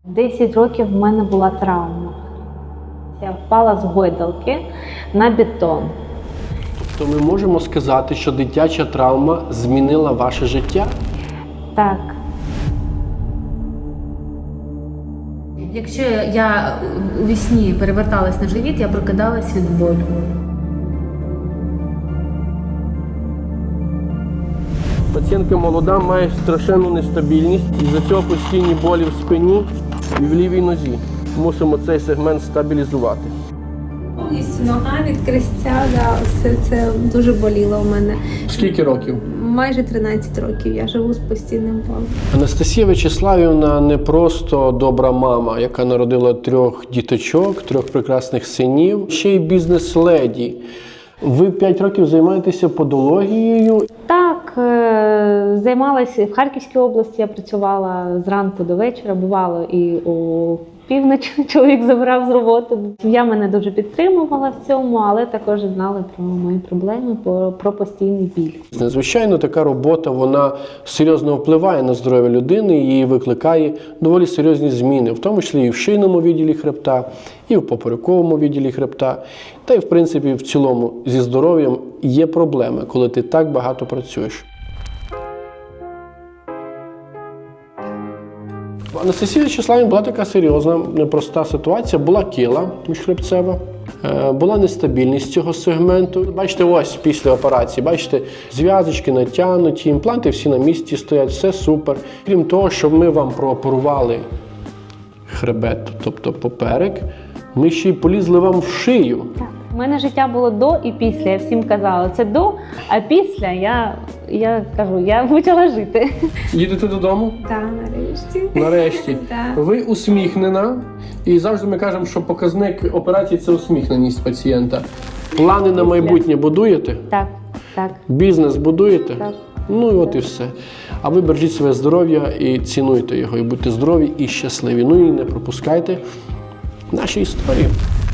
10 років в мене була травма. Я впала з гойдалки на бетон. Тобто ми можемо сказати, що дитяча травма змінила ваше життя? Так. Якщо я у вісні переверталась на живіт, я прокидалась від болю. Пацієнтка молода, має страшенну нестабільність, із-за цього постійні болі в спині і в лівій нозі. Мусимо цей сегмент стабілізувати. Повністю нога від крестця, все це дуже боліло у мене. Скільки років? Майже 13 років я живу з постійним болем. Анастасія Вячеславівна не просто добра мама, яка народила 3 діточок, 3 прекрасних синів, ще й бізнес-леді. Ви 5 років займаєтеся подологією. Так, займалася в Харківській області, я працювала зранку до вечора, бувало і у північ чоловік забирав з роботи. Сім'я мене дуже підтримувала в цьому, але також знали про мої проблеми, про постійний біль. Звичайно, така робота, вона серйозно впливає на здоров'я людини і викликає доволі серйозні зміни, в тому числі і в шийному відділі хребта, і в поперековому відділі хребта. Та й, в принципі, в цілому зі здоров'ям є проблеми, коли ти так багато працюєш. У Анастасії Вячеславівні була така серйозна, непроста ситуація. Була кіла міжхребцева, була нестабільність цього сегменту. Бачите, ось після операції, бачите, зв'язочки натягнуті, імпланти всі на місці стоять, все супер. Крім того, щоб ми вам прооперували хребет, тобто поперек, ми ще й полізли вам в шию. Так. У мене життя було до і після. Я всім казала, це до, а після я кажу, я почала жити. Їдете додому? Так, нарешті. Нарешті. Так. Ви усміхнена, і завжди ми кажемо, що показник операції – це усміхненість пацієнта. Плани на майбутнє будуєте? Так, так, Бізнес будуєте? так. Ну і от і все. А ви бережіть своє здоров'я і цінуйте його, і будьте здорові і щасливі. Ну і не пропускайте наші історії.